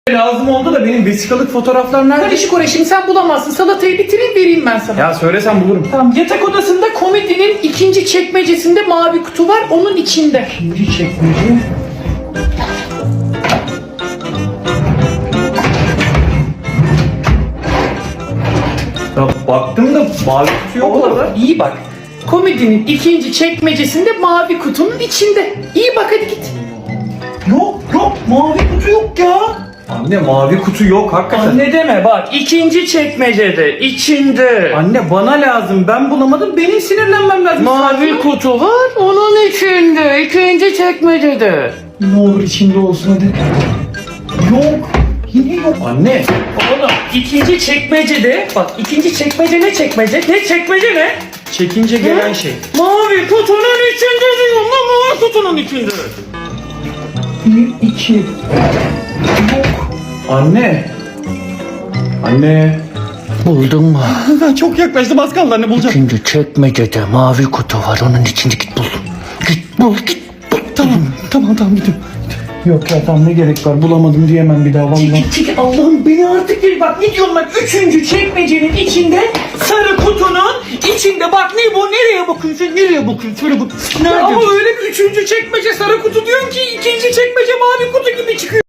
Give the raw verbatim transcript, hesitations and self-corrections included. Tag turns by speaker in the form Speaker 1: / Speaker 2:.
Speaker 1: Lazım oldu da benim vesikalık fotoğraflar nerede?
Speaker 2: Karışık oraya, şimdi sen bulamazsın. Salatayı bitireyim, vereyim ben sana.
Speaker 1: Ya söylesen bulurum.
Speaker 2: Tamam, yatak odasında komodinin ikinci çekmecesinde mavi kutu var, onun içinde.
Speaker 1: İkinci çekmece. Ya baktım da mavi kutu yok orada.
Speaker 2: İyi bak. Komodinin ikinci çekmecesinde mavi kutunun içinde. İyi bak, hadi git.
Speaker 1: Yok yok mavi kutu yok ya. Anne mavi kutu yok hakikaten.
Speaker 2: Anne deme bak, ikinci çekmecede, içinde.
Speaker 1: Anne bana lazım, ben bulamadım, benim sinirlenmem lazım.
Speaker 2: Mavi kutu var, onun içinde, ikinci çekmecede.
Speaker 1: Ne olur içinde olsun hadi. Yok. Yine yok. Anne.
Speaker 2: Oğlum, ikinci çekmecede, bak ikinci çekmece ne çekmece? Ne çekmece ne?
Speaker 1: Çekince gelen şey.
Speaker 2: Mavi kutunun içinde diyorum lan, mavi kutunun içinde.
Speaker 1: Bir, iki. Yok. Anne. Anne.
Speaker 2: Buldun mu?
Speaker 1: Çok yaklaştım, az kaldı anne, bulacağım.
Speaker 2: İkinci çekmecede mavi kutu var, onun içinde, git bul. Git bul, git bul.
Speaker 1: Tamam, tamam, tamam gidiyorum. Yok ya, tamam, ne gerek var, bulamadım diyemem bir daha vallahi.
Speaker 2: Çekil çekil, Allah'ım beni artık bir bak, ne diyorum ben, üçüncü çekmecenin içinde, sarı kutunun içinde, bak ne bu, nereye bakıyorsun, nereye bakıyorsun, şöyle bak. Nerede? Ama öyle bir üçüncü çekmece sarı kutu diyorsun ki ikinci çekmece mavi kutu gibi çıkıyor.